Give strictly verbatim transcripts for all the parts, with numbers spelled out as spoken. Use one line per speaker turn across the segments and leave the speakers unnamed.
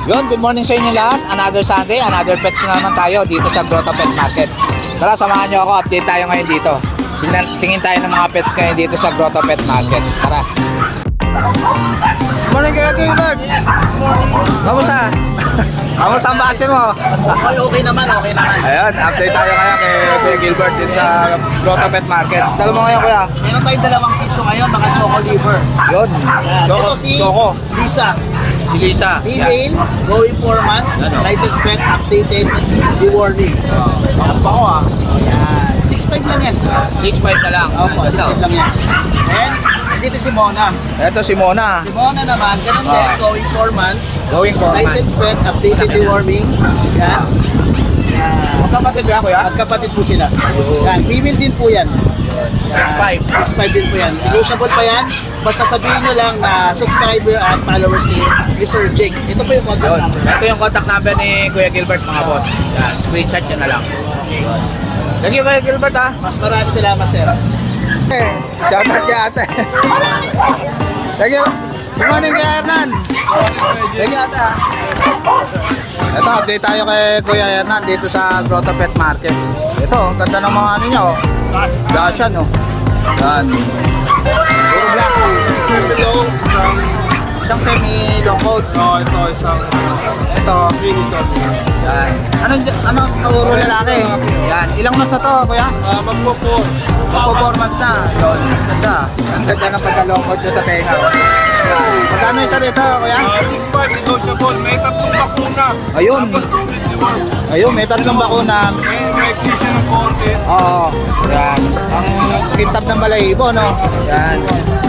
Yun, good morning sa inyo lahat. Another Sunday, another pets na naman tayo dito sa Grotto Pet Market. Tara, samahan nyo ako. Update tayo ngayon dito. Tingnan, tingin tayo ng mga pets ngayon dito sa Grotto Pet Market. Tara. Good morning kayo, Gilbert.
Yes, good morning.
Kamusta? Kamusta ang base mo?
Okay, okay naman, okay naman.
Ayun, update tayo kaya kay Kuya Gilbert dito sa Grotto Pet Market. Dala mo ngayon, Kuya.
Meron tayong dalawang shih tzu ngayon, mga choco liver.
Yun.
Yan.
Choco,
Ito si
Choco.
Lisa.
Si Lisa.
Female, going four months,
Ano?
license pet, updated, rewarding. Yan pa ko ah. Yan. six five lang yan.
six five na lang.
Opo, six
Ito.
five lang yan. And, dito si Mona.
Ito si Mona.
Si Mona naman, ganun
Ah.
din, going four months.
Going for
License pet, updated, deworming. Yan. Yan.
Magkapatid ba, Kuya?
Magkapatid po sila. Yan, female din po yan.
six five.
six five din po yan. Negotiable pa yan. Basta sabihin nyo lang na subscriber at followers ni Mister Jake. Ito po yung contact
Yun.
number.
Ito yung contact number ni Kuya Gilbert, mga boss. Yan. Screenshot nyo na lang. Yun. Thank you, Kuya Gilbert, ha.
Mas maraming salamat, sir.
Eh, shout out kay ate. Thank you. Good morning, Kuya Hernan. Thank you, ate, ha. Ito, update tayo kay Kuya Hernan dito sa Grotto Pet Market. Ito, ang ganda ng mga ano nyo. Dashan, no. Yan. Puro black.
Semi-long, isang
Isang semi-long coat.
oh, ito, isang
Ito.
miniton.
Yan. Anong, ano, puro lalaki? Yan. Ilang months na to, Kuya?
Uh, magpo-po.
Performance na. Yun. Ganda. Ang ganda ng pagka-long coat nyo sa tenga. Yan. Magkano isa rito, Kuya?
Uh, six five, negotiable. May tatlong bakuna.
Ayun.
Tapos twenty-one.
Ayun, may tatlong bakuna.
May may cleansing ng konti.
Oo. Yan. Ang kintab ng balahibo, no? Yan.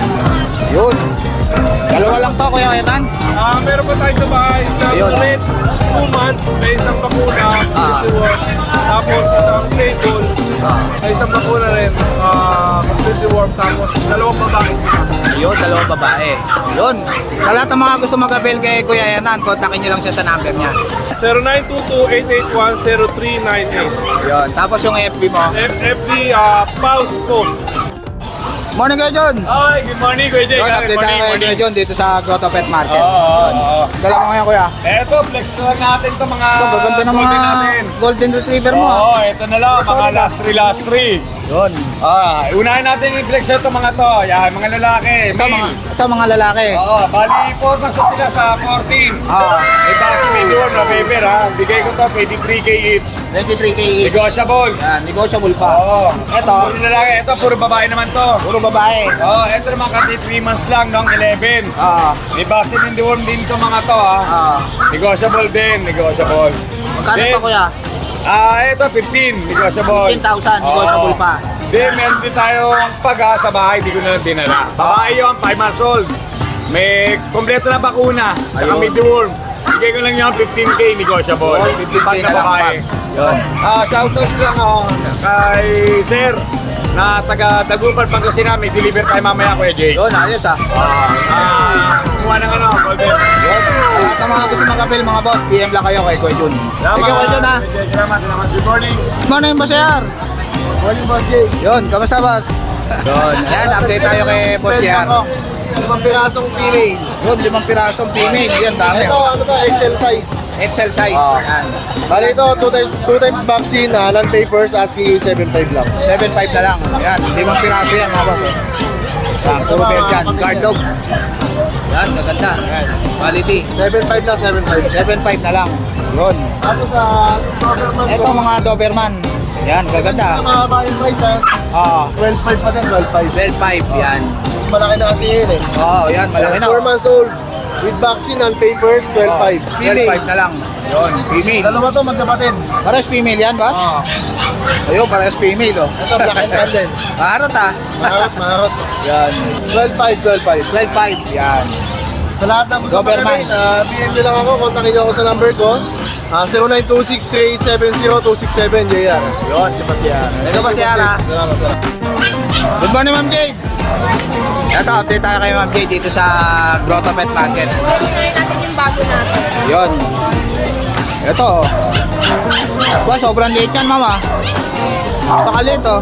Yun. Dalawa lang to, Kuya Hernan.
Ah, meron pa tayo sa bahay. Isang
Ayun.
red, two months. May isang bakuna.
Ah.
twenty-one. Tapos isang sable.
Ah.
Ay, isang bakuna rin. Ah, completely warm. Tapos dalawang babae sila.
Yun, dalawang babae. Yun. Sa lahat ng mga gusto mag-avail kay Kuya Hernan, kontakin nyo lang siya sa number niya.
zero nine two two, eight eight one, zero three nine eight.
Yun. Tapos yung F B mo.
F F B, uh, Pulse Post.
Morning, Kuya John.
Hi, good morning, Kuya Jay.
Yun, update tayo kay Kuya John dito sa Grotto Pet Market.
Oo, oo, oo.
Dala mo ngayon, Kuya.
Eto, flex na lang natin to mga
Ito, gaganda ng mga
golden natin.
golden retriever mo.
Oo,
ah.
ito na lang, mga last three, last three.
Yun.
Ah, unahin natin yung flex ito mga to. Yan, mga lalaki.
Ito mga,
male.
ito mga lalaki.
Oo, bali, four months na sila sa fourteen.
Ah,
May base may door na paper ha. Bigay ko to, twenty-three K each.
twenty-three K each.
Negotiable.
Yan, negotiable pa.
Oo.
Ito,
Puro lalaki, ito puro babae naman to.
puro babae.
Oo, ito naman kasi three months lang, noong eleven.
Ah,
May base din doon din to mga to ha.
ah.
Negotiable din, negotiable.
Magkano
Then,
pa, Kuya?
Ah, ito fifteen, negotiable.
fifteen thousand, negotiable
Oo.
pa.
Then, meron din tayong pag ah, sa bahay, di ko na lang dinala. Babae yun, five months old. May kompleto na bakuna, saka
Ayun.
may deworm. Bigay ko lang yung fifteen K negotiable.
Yun, fifteen K
Pag
na lang,
babae.
Yun.
Ah, shoutout lang ako kay Sir na taga Dagupan, Pangasinan. May deliver tayo mamaya, Kuya Jay.
Yun, ayos ah.
Ah, kumuha ng ano, golden.
Yun. Sa lahat ng mga gusto mag-avail, mga boss, P M lang kayo kay Kuya Jun. Sige, Kuya Jun, ha.
Salamat, salamat. Good morning.
Good morning, Boss Yar.
Morning, Boss Jay.
Yun, kamusta, Boss? Yun. Ayan, update tayo kay Boss Yar.
Limang pirasong female.
Yun, limang pirasong female. Yan, dami.
Ito, ano to, X L size.
X L size.
Ah.
Yan.
Bali ito, two times, two times vaccine, uh, non-papers, asking seven five lang.
seven five na lang. Yan, limang piraso yan, mga boss. Yan, puro belt yan. Guard dog. Yan, gaganda. Yan, quality.
seven five lang, seven five.
seven five na lang. Yun.
Tapos sa uh,
Ito, mga Doberman. Yan, gaganda.
Mahaba yung price ha.
Oo.
twelve five pa din, twelve five.
twelve five, yan.
Mas malaki na kasi yun eh.
Oo, yan, malaki na.
four months old. With vaccine and papers, twelve five.
twelve five na lang. Yun, female.
Dalawa to magkapatid.
Parehas female yan, boss?
Oo.
Ayun, parehas female, oh.
Ito, black and tan din.
Maharot, ah.
Maharot, maharot.
Yan.
twelve five, twelve five.
twelve five, yan.
Sa lahat ng gusto
Doberman.
mag-avail, uh, P M nyo lang ako, kontakin nyo ako sa number ko. Uh, zero nine two six, three eight seven zero, two six seven, J R.
Yun, si Boss Yar. Ito, Boss Yar, ah.
Salamat, salamat.
Good morning, Ma'am Jade. Ito, update tayo kay Ma'am Jade dito sa Grotto Pet Market.
Ngayon natin yung bago natin.
Yun. Ito. Ba, sobrang liit yan, Mama. Napakalit, oh.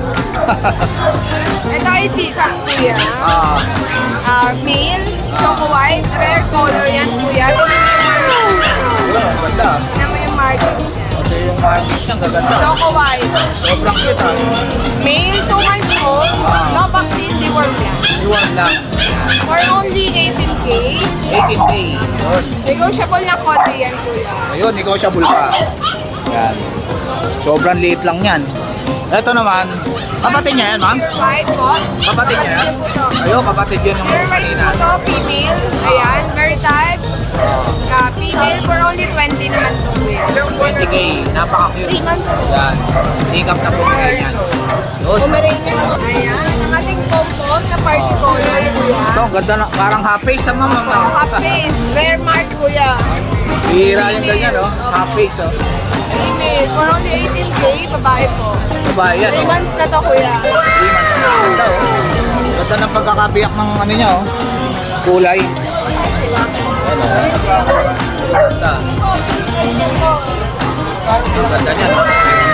Ito ay Sika, kuya.
Ah,
Uh, male, choco white, rare color yan, kuya. Ito yung
ganda.
Tignan mo yung markings niya.
Ito yung markings niya, gaganda.
Choco White.
Sobrang cute ah.
Male, two months old. No vaccine, deworm yan.
Iwan lang.
For only eighteen K.
eighteen K. Yun.
Negotiable na konti yan, kuya.
Ayun, negotiable pa. Yan. Sobrang liit lang yan. Ito naman, kapatid niya yan, ma'am?
White po.
Kapatid niya yan? Ayun, kapatid yun yung
Very white
kanina.
po to, female. Ayan, very type. Uh, female for only twenty naman to, kuya.
twenty K. Napaka-cute.
three months old.
Yan. Sikap na po yan. Yun.
Pomeranian po. Ayan, ang ating pom-pom na party color, kuya.
Ito, ang ganda na. Parang half face sa ma'am.
Oh, half face, rare mark, kuya.
Bihira yung ganyan, oh. Half face, oh.
Female, for only eighteen K, babae po.
Babae yan,
three
oh.
months na to, kuya.
three months na. Ganda, oh. Ganda ng pagkakabiyak ng ano niya, oh. Kulay. Yan, oh. Ganda. Ang ganda niya, no?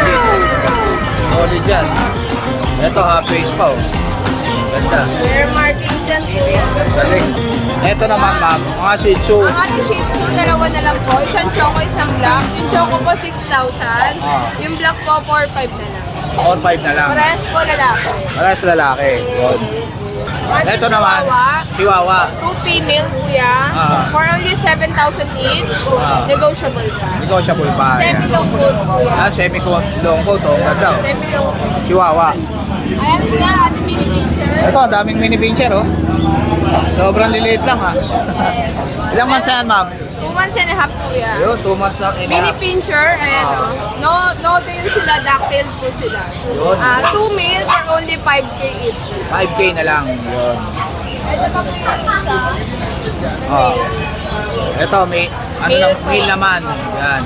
Solid yan. Ito, half face pa, oh. Ganda.
Rare markings yan, kuya.
Galing. Ito naman, ma'am, mga Shih Tzu.
Ang ating Shih Tzu, dalawa na lang po. Isang choco, isang black. Yung choco po, six thousand.
Ah.
Yung black po, four five na lang.
four five na lang.
Parehas po lalaki.
Parehas lalaki. Yun.
Ating
Ito naman,
Chihuahua,
Chihuahua.
two female, kuya.
Ah.
For only seven thousand each.
Ah.
Negotiable pa.
Negotiable pa.
Semi long coat, kuya.
Ah, semi-long coat, oh. Ganda, oh.
Semi long coat.
Chihuahua.
Ayan na, ating mini picture.
Ito, ang daming mini pincher, oh. Sobrang liliit lang, ha. Ilang months yan, ma'am?
Two months and a half, kuya.
Ayun, two months lang.
Mini pincher, ayan o. No, no din sila, dactyl po sila.
Yun.
Ah, two male for only five K each.
five K na lang. Yun.
Ito pa po yung isa.
Oh. Ito, may, ano lang, mail naman. Yan.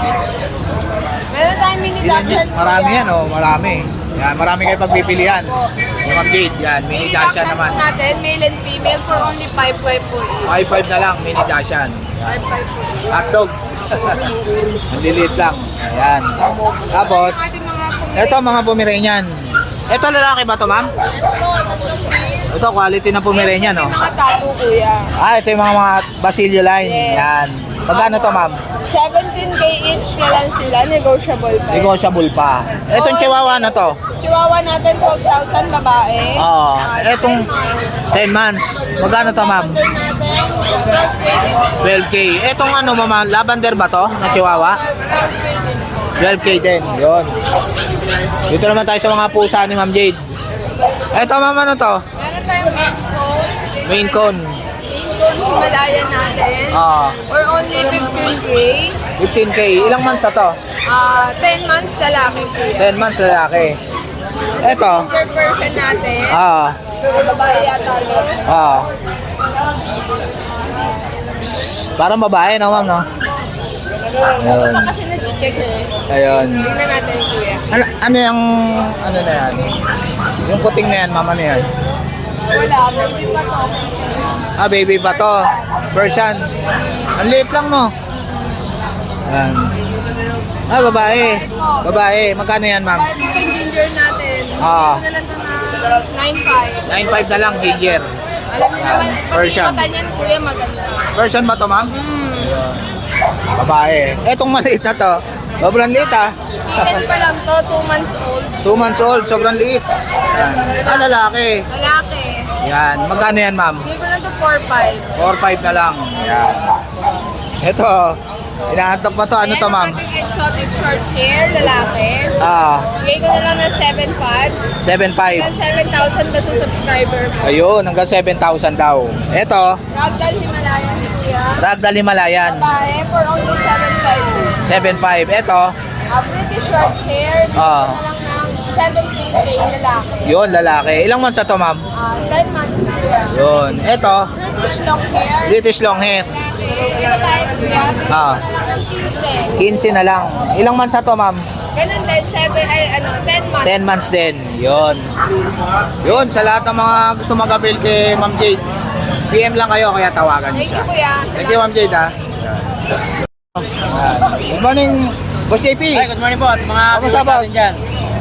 Meron tayong mini
Ilan yan?
dachshund.
Marami yan, oh. Marami. Yan, marami kayo pagpipilian. Yung update, yan. Mini
Mini
Dashan
dachshund
naman.
po natin, male and female for only five five po each.
five five na lang, mini Dashan.
five five po.
Hotdog. Ang liliit lang. Ayan. Tapos,
Yung ating mga pumili.
ito mga Pomeranian. Ito lalaki ba to, ma'am?
Yes po, tatlong male.
Ito, quality ng Pomeranian, no?
May mga tattoo, kuya.
Ah, ito yung mga, mga Basilio line.
Yes.
Yan. Magkano to, ma'am?
seventeen K each na lang sila, negotiable pa. yun.
Negotiable pa. Itong Chihuahua na to.
Chihuahua natin, twelve thousand babae.
Oo.
Ah,
Itong ten months. Magkano to, ma'am?
Lavender natin, twelve K.
twelve K. Itong ano, mama, lavender ba to na Chihuahua?
twelve K din po.
twelve K din. Yun. Dito naman tayo sa mga pusa ni Ma'am Jade. Ito, ma'am, ano to?
Meron tayong main cone.
Maine Coon.
Main cone Himalayan natin.
Ah,
For only fifteen K.
fifteen K. Ilang months na to?
Ah, ten months lalaki po yan.
ten months lalaki. Ito.
Ginger version natin.
Ah,
Babae yata to.
ah. Parang babae, no, ma'am, no? Ayun.
Ito kasi nag-check eh.
Ayun.
Tingnan natin kuya.
Ano, ano yung, ano na yan? Yung puting na yan, mama na yan?
Wala, baby pa to.
Ah, baby pa to. Persian. Ang liit lang, no? Ayan. Ah, babae. Babae. Magkano yan, ma'am?
Yung ginger natin.
Ah.
Ito na lang ito na nine five.
nine five na lang, ginger.
Alam niyo naman, pati
Persian.
yung mata niyan kuya maganda.
Persian ba to, ma'am?
Hmm.
Babae. Etong maliit na to. Sobrang liit, ah.
Kitten pa lang to, two months old.
Two months old. Sobrang liit. Ayan. Ah, lalaki.
Lalaki.
Yan. Magkano yan, ma'am?
Bigay ko lang to four five.
four five na lang. Yan. Ito. Inaantok pa to. Ano to, ma'am?
Ayan ang ating exotic short hair, lalaki.
Ah,
Bigay ko na lang ng seven five.
seven five.
Hanggang seven thousand ba sa subscriber mo?
Ayun, hanggang seven thousand daw. Ito,
Ragdoll Himalayan kuya.
Ragdoll Himalayan.
Babae for only seven five.
seven five. Ito,
Uh, British short hair, bigay
Ah.
ko na lang ng seventeen K lalaki.
yun, lalaki. Ilang months na to, ma'am?
Uh, ten months kuya.
Yun. Ito,
British long hair.
British long hair.
Lalaki. Ito tayo kuya. Bigay ko
Ah.
na lang ng fifteen.
quince na lang. Ilang months na to, ma'am?
Ganun din, seven, ay ano, ten months.
ten months din. Yun. Yun, sa lahat ng mga gusto mag-avail kay Ma'am Jade, P M lang kayo, kaya tawagan
Thank
niyo siya.
you kuya.
Thank you, Ma'am Jade, ha. Good morning, Boss J P.
Hi, good morning po at mga
Kamusta, boss?
natin dyan.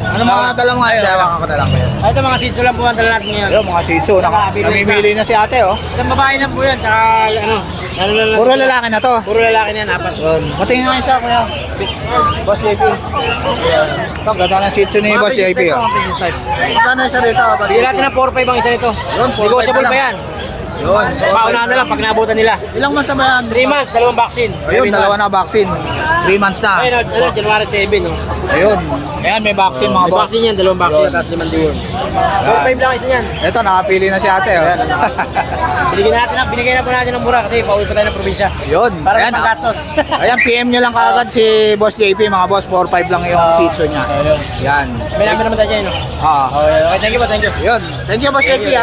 Ano mga dala mo nga? Dawakan ko na lang kuya.
Ay, ito mga sitso lang po ang dala natin ngayon.
Ayun, mga shih tzu. Naka, namimili na si ate, oh.
Isang babae na po yan, tsaka ano, ano lang
Puro lalaki na to.
Puro lalaki na yan, apat.
Yun. Patingin nga isa, kuya. Boss J P. Ito, ganda ng shih tzu ni Boss J P, oh.
Mga princess type.
Magkano isa rito?
Bigyan natin ng four five ang isa nito.
Yun, four five
Negotiable
na
pa
lang.
yan.
Yun.
Paunahan na lang pag naabutan nila.
Ilang months na ba yan?
three months, dalawang vaccine.
Ayun, dalawa na vaccine. three months na.
Ayun, ano, January seven, no?
Ayun. Ayan, may vaccine mga
May
boss.
vaccine yan, dalawang vaccine, tapos limang diyon. four five lang isa yan.
Ito, nakapili na si ate, oh.
Binigyan natin, na- binigyan na po natin ng mura kasi pauwi pa tayo ng probinsya.
Yun.
Para
Ayan,
sa gastos.
ayan, P M nyo lang kagad si Boss J P, mga boss. four five lang yung shih tzu niya. Yan.
May namin naman tayo dyan, no?
Ah.
Okay, okay, thank you po, thank you.
Yun. Thank you, Boss J P, ah.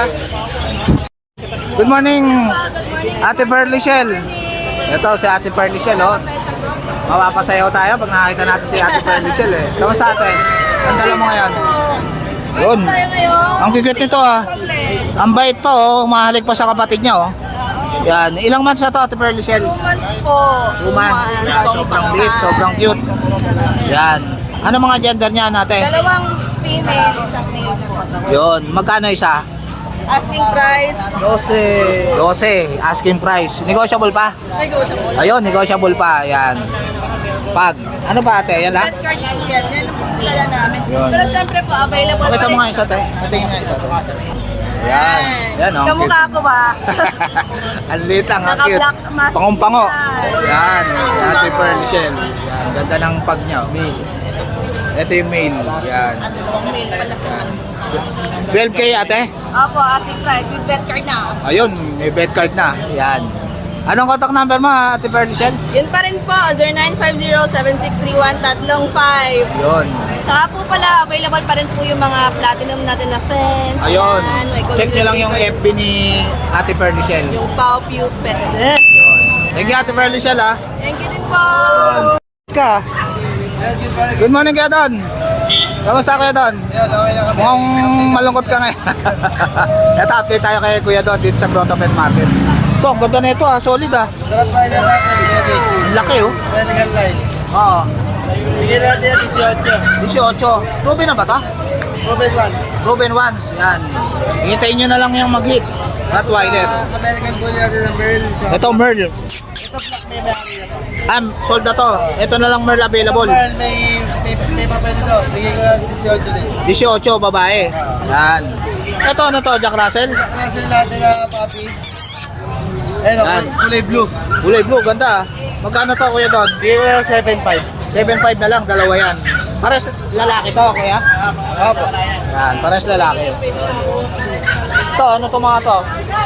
Good morning, Ate Perlichel. Ito si Ate Perlichel, oh. Mapapasayaw tayo pag nakakita natin si Ate Perlichel, eh. Kamusta, ate? Ang dala mo ngayon? Yun. Ang cute nito, ah. Ang bait pa, oh. Umahalik pa sa kapatid niya, oh. Yan. Ilang months na to, Ate Perlichel?
Two months po.
Two months. Yan. Sobrang sweet, sobrang cute. Yan. Ano mga gender niya, ate?
Dalawang female, isang male po.
Yun. Magkano isa?
Asking price,
twelve. Asking price. Negotiable pa?
negotiable.
Ayun, negotiable pa. Yan. Pag, ano ba ate? Yan lang?
Red card po yan. Yan ang dala namin.
Yun.
Pero syempre po, available
Pakita
pa
mo
rin.
nga isa te. Patingin nga isa te. Yan. Yan oh.
Kamukha ko ba?
Ang liit lang. Ang cute.
Naka-black mask.
Pangumpango.
Yan.
Yan. Ate Pearl Shell. Yan. Ganda ng pag niya. Male. Ito yung male. Yan.
Dalawang male pala po.
twelve K ate?
Opo, asking price with red card na.
Ayun. May bed card na. Yan. Anong contact number mo Ate Pearl Shell?
Yun pa rin po, zero nine five zero seven six three one tatlong five.
Yun.
Saka po pala, available pa rin po yung mga platinum natin na friends.
Ayun.
Yan, may golden
Check nyo lang yung
retriever.
F B ni Ate Pearl Shell.
Yung Pau Pew Pet.
Yun. Thank you Ate Pearl Shell ah.
Thank you din po.
Ka. Good morning Kuya Don. Kamusta Kuya Don? Mukhang malungkot ka ngayon. Ito, update tayo kay Kuya Don dito sa Grotto Pet Market. Ito, ang ganda na ito ah, solid ah.
Sarap pa rin natin,
Ang laki oh.
medical line.
Oo.
Bigyan natin yan,
eighteen. Ruben na ba ito?
Ruben one.
Ruben Ones. Yan. Hintayin nyo na lang yung mag-hit. Rottweiler.
American Bully natin ng Merl.
Ito Merl.
Ito black may may na to.
Ah, sold na to. Ito na lang Merl available.
Merl may may may papel ito. Bigyan ko ng eighteen din.
eighteen, babae. Yan. Ito ano to, Jack Russell?
Russell natin na puppies. Ayun,
Yan.
kulay blue.
Kulay blue, ganda ah. Magkano to Kuya Don?
Bigyan ko ng seven five.
seven five na lang, dalawa yan. Pares lalaki to, Kuya?
Opo.
Yan, pares lalaki. Ito, ano to mga to?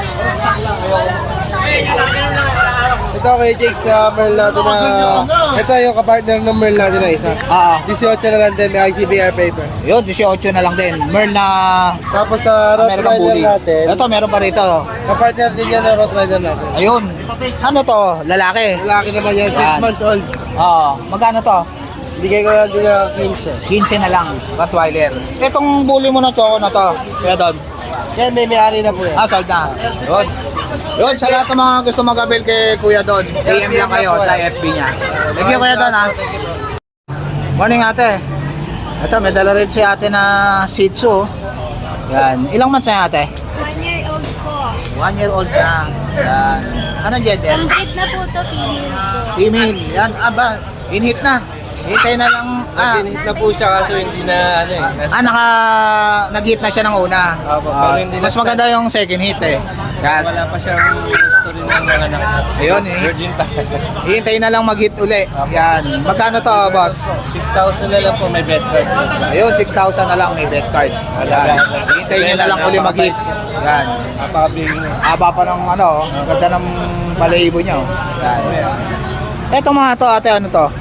Ito kay Jake sa Merl natin na... Ito yung kapartner ng Merl natin na isa.
Ah,
eighteen na lang din, may I C B R paper.
yun, eighteen na lang din. Merl na
Tapos sa
American
Rottweiler
Bully.
natin,
Ito, meron pa rito.
kapartner din yan ng Rottweiler natin.
Ayun. Ano to? Lalaki?
Lalaki naman yan, six
Yan.
months old.
Oo. Magkano to?
Bigay ko lang din ng fifteen.
fifteen na lang. Rottweiler. Itong bully mo na choco na to. Kaya doon.
Yan, may may-ari na po yan.
Ah, sold na. Yun. Yun, sa lahat ng mga gusto mag-avail kay Kuya Don, A M lang kayo sa F B niya. Thank you Kuya Don ha. Morning ate. Ito, may dala rin si ate na Shih Tzu. Yan. Ilang months na yan, ate?
One year old po.
One year old na. Yan. Anong gender?
Complete na po to, female po.
Female. Yan. Aba, in-hit na. Hintay na lang. Ah,
Pinhit na po siya kaso hindi na ano eh. Nas-
ah naka, nag-hit na siya ng una.
Opo,
Ah,
pero hindi
mas
na-
maganda yung second hit eh. Yan.
Wala pa siyang history ng mga anak.
Ayun eh.
Virgin pa.
Hintayin na lang mag-hit uli. Yan. Magkano to, boss?
six thousand na lang po may bed card.
Ayun, six thousand na lang may bet card. Yan. Hintayin nyo na lang uli mag-hit. Yan.
Napakabili niya.
Haba pa ng ano, ang ganda ng balahibo nyo. Yan. Eto mga to, ate, ano to?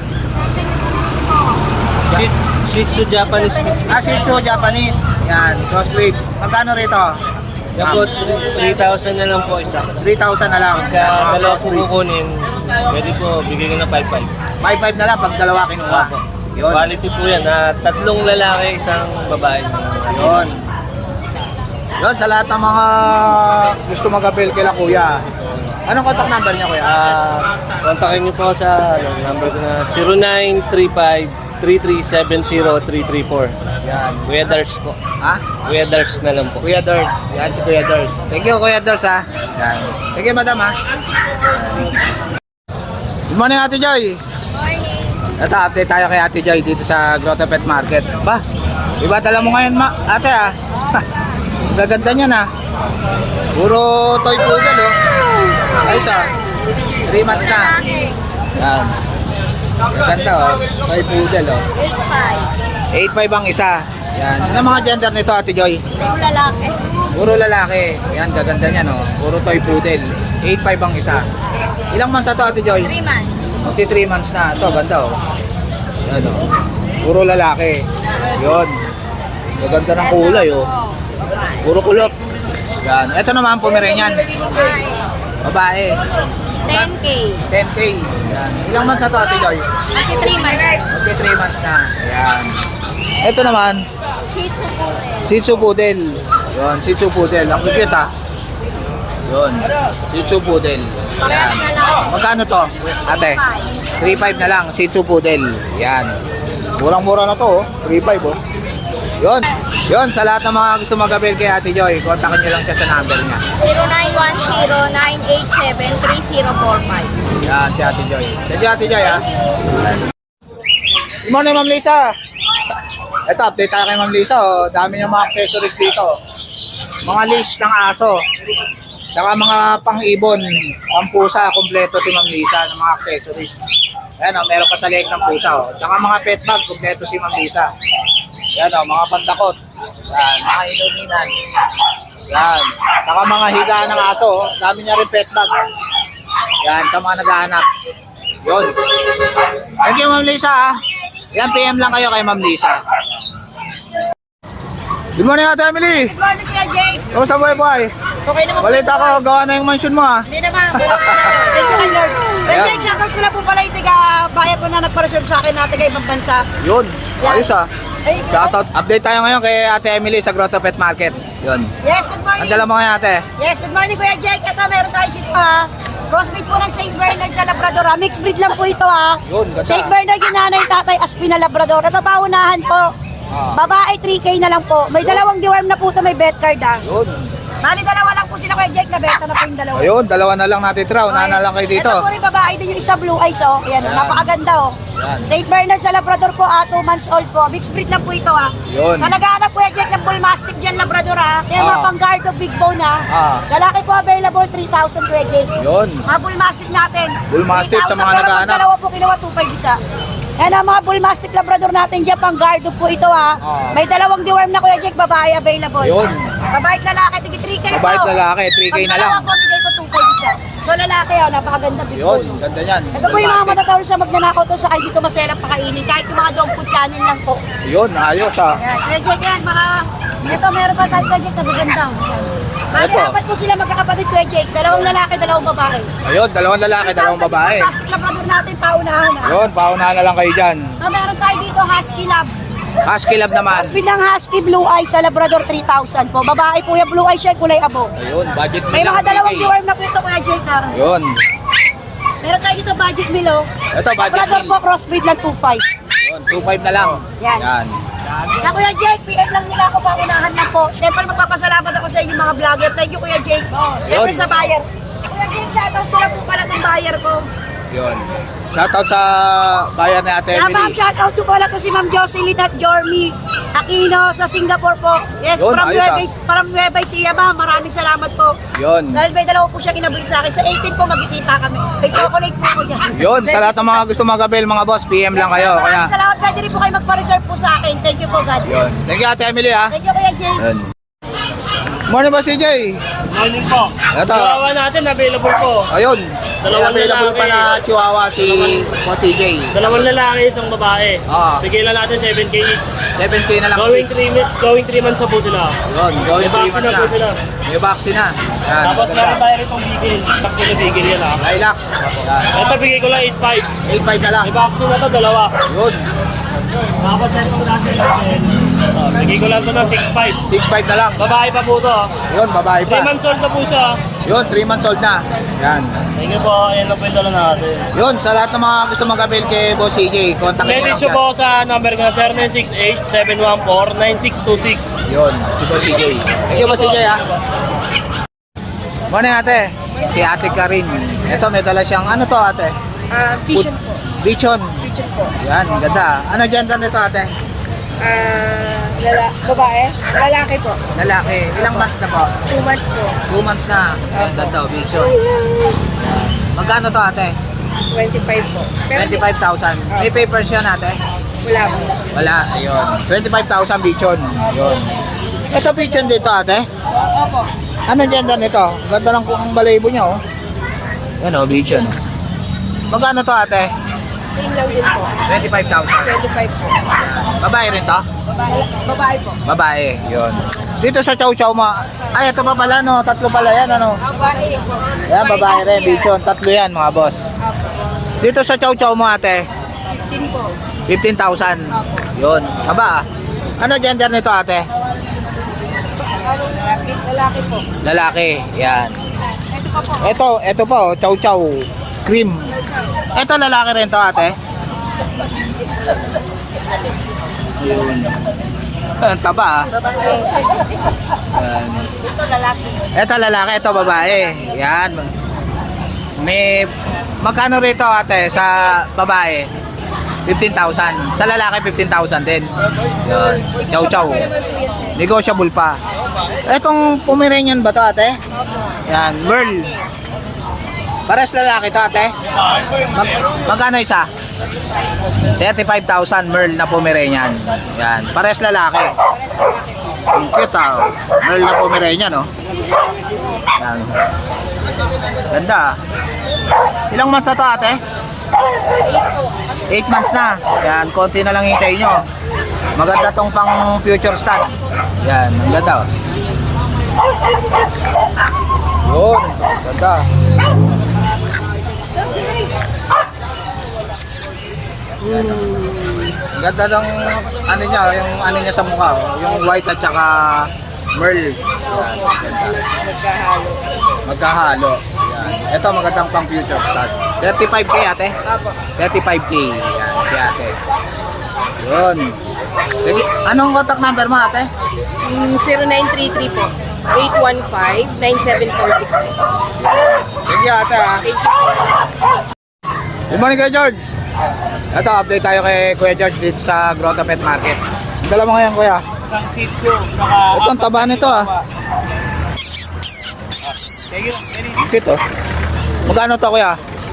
Shih, Shih Tzu Japanese mix.
Ah, Shih Tzu Japanese. Yan, crossbreed. Magkano rito?
Yan po, three thousand na lang po isa.
three thousand na lang.
Pagka
Ah,
dalawa po
crossbreed.
kukunin, pwede po bigay ko na five five.
five five na lang pag dalawa kinuha. Yun.
Quality po yan. Ah, tatlong lalaki, isang babae.
Yun. Yun, sa lahat ng mga gusto mag-avail kila kuya. Anong contact number niya kuya?
Ah, kontakin niyo po sa ano, number ko na zero nine three five three three seven zero three three four.
Yan.
Kuya Dars po.
Ha?
Kuya Dars na lang po.
Kuya Dors. Yan si Kuya Dors. Thank you, Kuya Dors, ha. Yan. Thank you, madam, ha. Yan. Good morning, Ate Joy.
Morning.
Ito, update tayo kay Ate Joy dito sa Grotto Pet Market. Ba, iba tala mo ngayon, ma ate, ha. Ang gaganda niya, na. Puro toy poodle, oh. Ayos, ha. three months na. Yan. Gaganda, oh. Toy poodle, oh. eight five ang isa. Yan. Ano mga gender nito, Ate Joy?
Yung lalaki.
Puro lalaki. Yan, gaganda niya, no? Puro toy poodle. eight five ang isa. Ilang months na to, Ate Joy?
three months.
Magti three months na. Ito, ganda, oh. Yan, oh. Puro lalaki. Yun. Gaganda ng kulay, oh. Puro kulot. Yan. Ito naman, Pomeranian.
Babae.
Babae.
ten K.
ten K. Yan. Ilang months na to, Ate Joy?
Magti three months.
Magti three months na. Yan. Ito naman,
Shih Tzu po rin.
Shih Tzu Poodle. Yun, Shih Tzu Poodle. Ang cute, ha. Yun, Shih Tzu Poodle. Yan.
na lang.
Magkano to, ate? three five na lang, Shih Tzu Poodle. Yan. Murang-mura na to, oh. three five, oh. Yun. Yun, sa lahat ng mga gusto mag-avail kay Ate Joy, kontakin nyo lang siya sa number niya.
zero nine one zero nine eight seven three zero four five.
Yan, si Ate Joy. Thank you, Ate Joy, ha. Good morning, Ma'am Lisa. Ito, update tayo kay Ma'am Lisa, oh. Dami niyang mga accessories dito. Mga leash ng aso. Saka mga pang-ibon, pang-pusa, kompleto si Ma'am Lisa ng mga accessories. Ayan, oh, meron pa sa leg ng pusa, oh. Saka mga pet bag, kompleto si Ma'am Lisa. Yan, oh, mga pandakot. Yan, mga inuminan. Yan. Saka mga higaan ng aso, oh. Dami niya rin pet bag. Yan, sa mga naghahanap. Yun. Thank you, Ma'am Lisa, ha. Yan, P M lang kayo kay Ma'am Lisa. Good morning, Ate Emily.
Good morning, Kuya Jake.
Kamusta buhay buhay?
Okay naman po.
Balita ko, gawa na yung mansion mo, ha.
Hindi naman. Thank you, Lord. Kuya Jake, shoutout ko lang po pala yung taga-bayan po na nagpa-reserve sa akin na taga-ibang bansa.
Yun, ayos, ha.
Ay,
Shoutout. Update tayo ngayon kay Ate Emily sa Grotto Pet Market. Yun.
Yes, good morning.
Ang dala mo ngayon, ate.
Yes, good morning, Kuya Jake. Ito, meron tayo si uh, crossbreed po ng Saint Bernard sa Labrador. Ha? Mixed breed lang po ito, ha.
Yun, ganda.
Saint Bernard yung nanay, tatay, Aspina Labrador. Ito, paunahan po.
Ah.
Babae, three K na lang po. May dalawang deworm na po ito, may vet card, ha.
Yun.
Bali, dalawa lang po sila, Kuya Jake, na beta na po yung dalawa.
Ayun, dalawa na lang natin tira. Una na lang kayo dito.
Ito po rin babae din yung isa blue eyes, oh. Ayan, oh,
Yan.
napakaganda, oh.
Yan.
Saint Bernard sa Labrador po, ah, two months old po. Mixed breed lang po ito, ah.
Yun.
Sa naghahanap po, Jack, ng bull mastiff dyan, Labrador, ah. Kaya mga
Ah.
pang-guard of big bone, ah.
Ah.
Lalaki po available, three thousand, Kuya Jake.
Yun.
Mga bull mastiff natin.
Bull mastiff sa
three thousand,
mga
pero pag
naghahanap.
dalawa po, kinuha two five isa. Yan ang mga bull mastiff Labrador natin dyan, pang-guard of po ito, ah.
Ah.
May dalawang deworm na, Kuya Jake, babae available.
Yun.
Babae at lalaki, tigi three K po.
Mabait lalaki, three K na lang.
Pag dalawa po, bigay ko two five isa. So lalaki, oh, napakaganda big
Yun,
bone.
ganda yan.
Ito po yung mga matatawag sa magnanakaw to sa kayo dito maselang pakainin. Kahit yung mga dog food kanin lang po.
Yun, ayos, ha.
Ayan, kaya kaya yan, mga... Ito, meron pa tayo Kuya Jake na maganda. Bali,
Ito.
apat po sila magkakapatid Kuya Jake. Dalawang lalaki, dalawang babae.
Ayun, dalawang lalaki, dalawang babae.
Plastic Labrador natin, paunahan na.
Yun, paunahan na lang kayo dyan.
So, meron tayo dito Husky Lab.
Husky Lab naman.
Speed ng Husky Blue Eye sa Labrador three thousand po. Babae po yung Blue Eye siya, kulay abo.
Ayun, budget
May
nila.
mga dalawang deworm na po ito Kuya Jake. ha?
Yun.
Meron tayo dito budget meal, oh.
Ito, budget
Labrador
meal.
po, crossbreed lang two five.
Yun, two five na lang.
Yan.
Yan.
Na Kuya Jake, P M lang nila ako, paunahan lang po. Siyempre magpapasalamat ako sa inyo mga vlogger. Thank you Kuya Jake. Siyempre
Yun.
sa buyer. Kuya Jake, shoutout ko lang po pala itong buyer ko.
Yun. Shoutout sa bayan ni Ate
Yeah, ma'am,
Emily.
shoutout ko pala to si Ma'am Jocelyn at Jormy Aquino sa Singapore po. Yes,
Yun,
from
ayos,
Nueva,
ah.
from Nueva Ecija, ma'am. Maraming salamat po.
Yun.
Dahil may dalawa po siya kinabuhi sa akin. Sa eighteen po magkikita kami. May chocolate po ako dyan.
Yun, sa lahat ng mga gusto mag-avail, mga boss, P M lang kayo. Kaya,
Maraming salamat. Pwede rin po kayo magpa-reserve po sa akin. Thank you po, God
yun.
bless.
Thank you, Ate Emily, ha.
Thank you, Kuya Jake.
Yun. Morning ba, C J?
Morning po.
Ito.
Chihuahua natin, available po.
Ayun.
Dalawang
Available pa
lalaki.
na Chihuahua si po C J.
Dalawang lalaki, itong babae.
Ah.
Bigyan lang natin seven K each.
seven K na lang.
Going three going three months na po sila.
Yun, going
May
three
vaccine
months
na po
na.
sila.
May vaccine na. Yan.
Tapos
maganda.
meron tayo itong bigil. Takbo na bigil yan ha.
Lilac. Yan.
Ito bigay ko lang eight five.
eight five na lang.
May vaccine na to, dalawa.
Yun.
Tapos itong natin natin. Oh, bigay ko lang to ng six five.
six five na lang.
Babae pa po to.
Yun, babae
three
pa.
months old na po siya.
Yun, three months old na. Yan.
Thank you po. Ayan lang po yung dala natin.
Yun, sa lahat ng mga gusto mag-avail kay Boss C J, contact mo lang
Message
siya.
po ako sa number ko na zero nine six eight, seven one four, nine six two six.
Yun, si Boss C J. Thank you, Boss C J, ha. Morning, ate. Si ate Karin. Ito, may dala siyang, ano to, ate?
Ah, vision po.
Bichon.
Vision po.
Yan, ganda. Ano gender nito, ate?
Ah, lala, babae? Lalaki po.
Lalaki. Ilang months na po?
Two months po.
Two months na. Yan, ganda, oh, Bichon. Yan. Magkano to, ate?
twenty-five po. Pero
twenty-five thousand. May papers yan, ate?
wala po.
Wala, ayun. twenty-five thousand Bichon. Yun. Eh, sa Bichon dito, ate?
Opo.
Ano gender nito? Ganda lang kung balayibo niya, oh. Yan, oh, Bichon. Magkano to, ate?
Same lang din po.
twenty-five thousand.
twenty-five po.
Babae rin to?
Babae, babae po.
Babae, yun. Dito sa Chow Chow mo, ay, ito pa pala, no? Tatlo pala yan, ano?
Babae po.
Yan, babae rin, Bichon. Tatlo yan, mga boss. Dito sa Chow Chow mo, ate?
fifteen po.
fifteen thousand. Yun. Aba, ano gender nito, ate?
Lalaki, lalaki po.
Lalaki, yan.
Ito pa po.
Ito, ito po, oh, Chow Chow. Cream. Ito, lalaki rin to, ate? Yun. Ang taba, ah. Yan.
Ito lalaki.
Ito lalaki, ito babae. Yan. May magkano rito, ate, sa babae? fifteen thousand. Sa lalaki fifteen thousand din. Yan. Chow chow. Negotiable pa. Etong Pomeranian ba to, ate? Yan, Merl. Pares lalaki to, ate? Mag magkano isa? thirty-five thousand Merl na Pomeranian. Yan, pares lalaki. Ang cute, ah. Merl na Pomeranian, no? Yan. Ganda. Ilang months na to, ate? eight months na. Yan, konti na lang hintayin nyo. Maganda tong pang future stud. Yan, ang ganda, oh. Yun, ganda. Ang ganda ng ano niya, yung ano niya sa mukha, oh. Yung white at saka merl. Yan, ganda.
Magkahalo.
Magkahalo. Yan. Ito magandang pang future stud. thirty-five K, ate?
Apo.
thirty-five K. Yan, si ate. Yun. Sige, anong contact number mo, ate?
Mm, zero nine three three po. eight one five, nine seven four six.
Thank you, ate, ha.
Thank you.
Good morning, Kuya George. Ito, update tayo kay Kuya George dito sa Grotto Pet Market. Ang dala mo ngayon, Kuya?
Isang seat ko. Saka...
Ito, ang taba nito, ah.
Thank you.
Cute, oh. Magkano to, Kuya?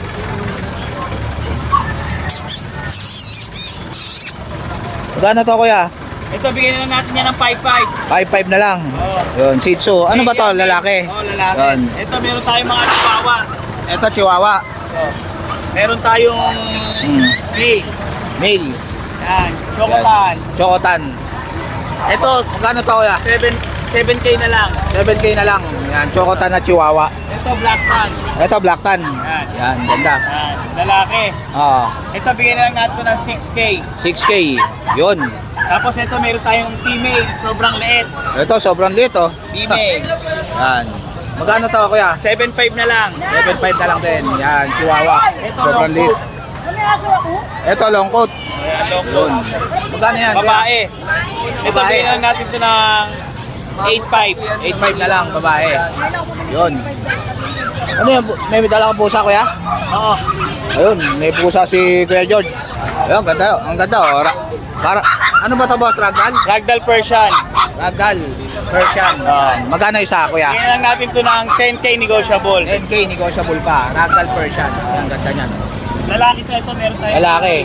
Magkano to, Kuya?
Ito, bigyan na natin yan ng five five.
five five na lang. Yun, Shih Tzu. Ano ba to, lalaki?
Oo, lalaki.
Yun.
Ito, meron tayong mga chihuahua.
Ito, Chihuahua.
Meron tayong
Hmm.
free.
Male.
Yan, chocolate.
Chocotan.
Ito,
Magkano to, Kuya?
seven K na lang.
seven K na lang. Yan, Chocotan na Chihuahua.
Ito, black tan.
Ito, Black Tan.
Yan.
Yan, ganda.
Yan, lalaki.
Oo.
Ito, bigyan na lang natin ng six K.
six K. Yun.
Tapos ito, meron tayong female. Sobrang liit.
Ito, sobrang liit, oh.
Female.
Yan. Magkano to, Kuya?
seven five na lang.
seven five na lang din. Yan, Chihuahua. Sobrang liit. Ito, long coat.
Ayan, long
Yun. Magkano yan, Kuya?
Babae. Ito,
Babae.
bigyan na lang natin ito ng eight five.
eight five na lang, babae. Yun. Ano yan? bu- May dala kang pusa, Kuya?
Oo.
Ayun, may pusa si Kuya George. Ayun, ganda. Ang ganda, oh. Ra- para, ano ba to, boss? Ragdoll?
Ragdoll Persian.
Ragdoll. Persian. Yan. Magkano isa, Kuya?
Bigyan lang natin ito ng ten K negotiable.
ten K, negotiable pa. Ragdoll Persian. Ang ganda niyan.
Lalaki sa ito, meron tayo.
Lalaki.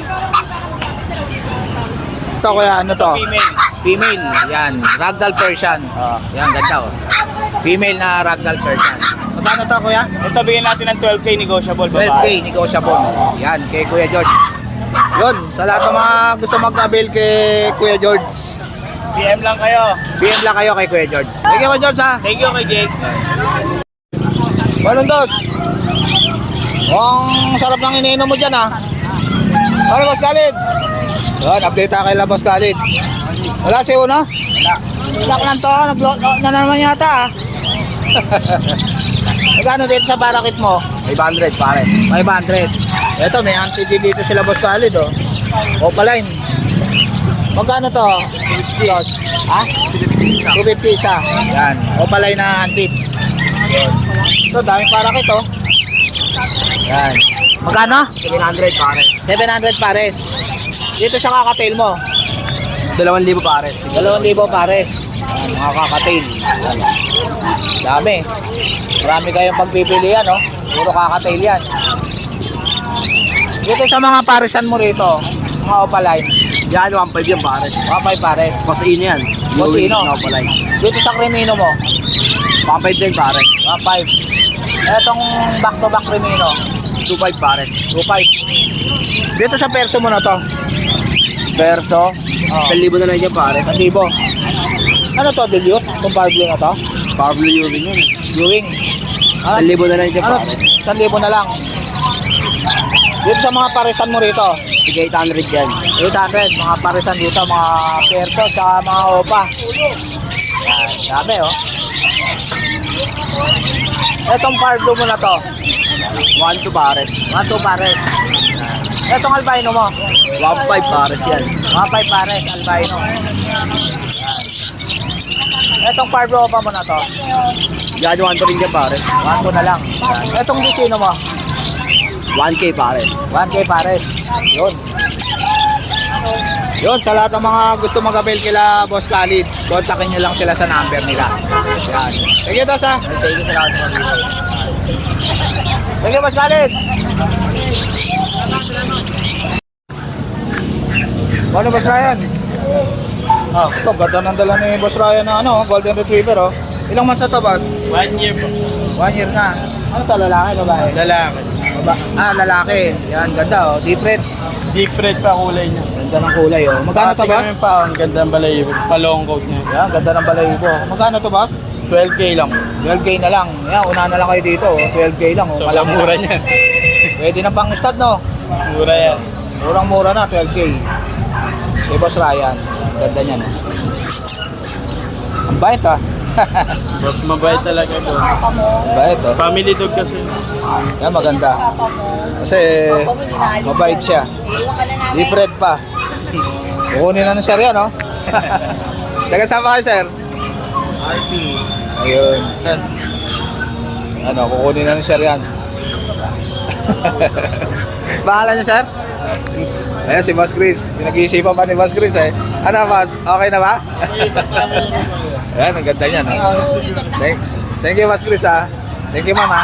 Ito, Kuya, ano to?
Female.
Female. Yan. Ragdoll Persian. Oh, yan, ganda, oh. Female na Ragdoll Persian. Magkano to, Kuya?
Ito, bigyan natin ng twelve K negotiable.
twelve K,
Babae.
negotiable. Yan, kay Kuya George. Yun, sa lahat ng mga gusto mag-avail kay Kuya George,
P M lang kayo.
P M lang kayo kay Kuya George. Thank you, Kuya George, ha?
Thank you kay Jake.
Walang dos. Ang sarap ng iniinom mo dyan, ha? Ano, Boss Khalid? Yun, update tayo kay La Boss Khalid. Wala si Uno? Wala. Sak lang to, nag-load na naman yata ah. Magkano dito sa barakit mo?
five hundred pare.
five hundred. Ito, may anti dito sila Boss Khalid oh. Opaline. Magkano to? Boss? Ha? two fifty isa. Yan. Opaline na anti. Ito, daming parakit oh. Yan. Magkano?
seven hundred pare.
seven hundred pares. Dito sa kakatail mo.
dalawang libo pare.
dalawang libo pares. Yan, mga kakatail. Yan. Dami. Marami kayong pagpipilian, no? Puro kakatail yan. Dito sa mga paresan mo rito, mga opaline.
Yan, one five yan pare.
Mga five pares.
Pasino yan.
Pasino.
Opalay.
Dito sa Crimino mo,
one five din pare.
mga five. Etong back-to-back Crimino,
two five pare.
two five. Dito sa perso mo na to,
Verso.
Oh.
one libo na lang yan pare.
one libo. Ano to, dilute? Itong Pablo na to?
Pablo Ewing yun.
Viewing.
one libo na lang yan
Ano?
pare.
one libo na lang. Dito sa mga paresan mo rito,
Sige, eight hundred yan.
eight hundred. Mga paresan dito, mga perso, tsaka mga opa. Yan, dami oh. Etong Pablo mo na to,
one two pare.
one two pares. Etong albino mo,
one five pare yan.
mga five pares, albino. Yan. Etong Pablo opa mo na to,
Yan, one two rin yan pare.
one two na lang. Yan. Etong Dicino mo,
one K pare.
one K pares. Yun. Yun, sa lahat ng mga gusto mag-avail kila Boss Khalid, kontakin nyo lang sila sa number nila. Yan. Sige, Tos ha.
Thank you sa lahat ng mga
Sige, Boss Khalid. Ano, Boss Ryan? Ah, ito, ganda ng dala ni Boss Ryan na ano, Golden Retriever, oh. Ilang months na to, Boss?
One year po.
One year na. Ano to, lalaki, babae?
Lalaki.
Baba ah, lalaki. Yan, ganda, oh. Deep red.
Deep red pa kulay niya.
Ganda ng kulay, oh. Magkano to, Boss?
Tingnan mo pa, ang ganda ng balay. Pa-long coat niya.
Yan, ganda ng balayibo. Magkano to, Boss?
twelve K lang.
twelve K na lang. Yan, una na lang kayo dito, oh. twelve K lang, oh.
So,
Malamura.
mura niya.
Pwede na pang stud, no?
Mura yan.
Murang-mura na, twelve K. Kay Boss Ryan. Ganda niyan, oh. Ang bait, ah.
Mas mabait talaga ito.
Ang bait, oh.
Family dog kasi.
Yan, maganda. Kasi, mabait siya. Deep red pa. Kukunin na ng sir yan, no? Taga-sama kayo, sir?
R P.
Ayun. Ano, kukunin na ng sir yan. Bahala niyo, sir? Ayan, si Boss Chris. Pinag-iisipan pa ni Boss Chris, eh. Ano, Boss? Okay na ba? Ayan, ang ganda niya, no? Thank, thank you, Boss Chris, ha? Thank you, mama.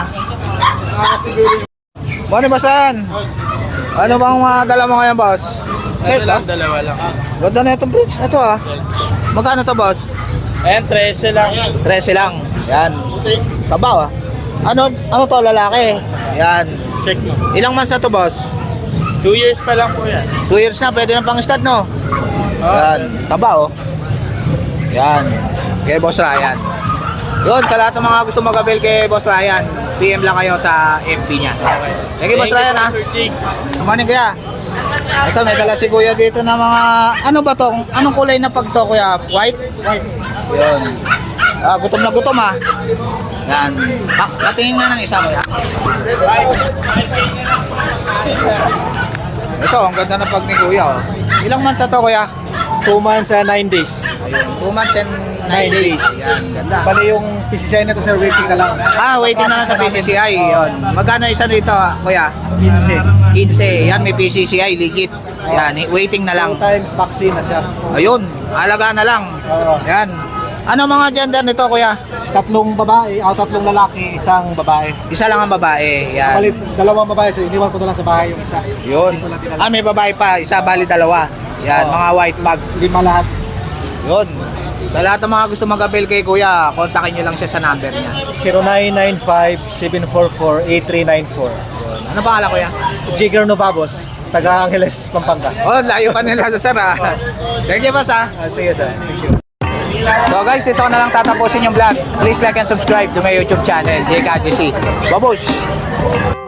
Morning, Bossan. Ano bang uh, dala mo ngayon, boss?
Ano lang, dalawa lang.
Ganda na itong bridge na to, ah. Magkano to, boss?
Ayan, trese lang.
trese lang. Yan. Tabaw, ah. Ano, ano to, lalaki? Yan.
Check mo.
Ilang months na to, boss?
Two years pa lang po yan.
Two years na, pwede na pang stud, no? Yan. Tabaw, oh. Yan. Kay Boss Ryan. Yun, sa lahat ng mga gusto mag-avail kay Boss Ryan, P M lang kayo sa F B niya. Thank you, Boss Ryan, ha? Good morning, kuya. Ito, may dala si kuya dito na mga, ano ba to? Anong kulay na pag to, kuya? White? White. Yun. Ah, gutom na gutom, ha? Yan. Pa patingin nga ng isa, kuya. Ito, ang ganda ng pag ni kuya, oh. Ilang months na to, kuya?
Two months and nine days.
Two months and nine days. Yan, ganda.
Bali yung P C C I na to sir, waiting na lang.
Ah, waiting na lang sa P C C I. Yun. Magkano isa dito, kuya?
fifteen.
fifteen. Yan, may P C C I, legit. Yan, waiting na lang.
Two times vaccine na siya.
Ayun, alaga na lang.
Oo.
Yan. Ano mga gender nito, kuya?
Tatlong babae, o tatlong lalaki, isang babae.
Isa lang ang babae. Yan.
Bali, dalawang babae, so iniwan ko na lang sa bahay yung isa.
Yun.
Hindi ko lang tinala-
Ah, may babae pa. Isa, bali dalawa. Yan,
Oo.
mga white bag.
Lima lahat.
Yun. Sa lahat ng mga gusto mag-avail kay kuya, kontakin nyo lang siya sa number niya.
zero nine nine five seven four four eight three nine four.
Ano pangalan, kuya?
Jigger Novabos, taga Angeles, Pampanga.
Oh, layo pa nila sa sir, ah. Thank you, boss, ah.
Ah, sige sir, thank you.
So guys, dito ko na lang tatapusin yung vlog. Please like and subscribe to my YouTube channel, J K G C. Babush!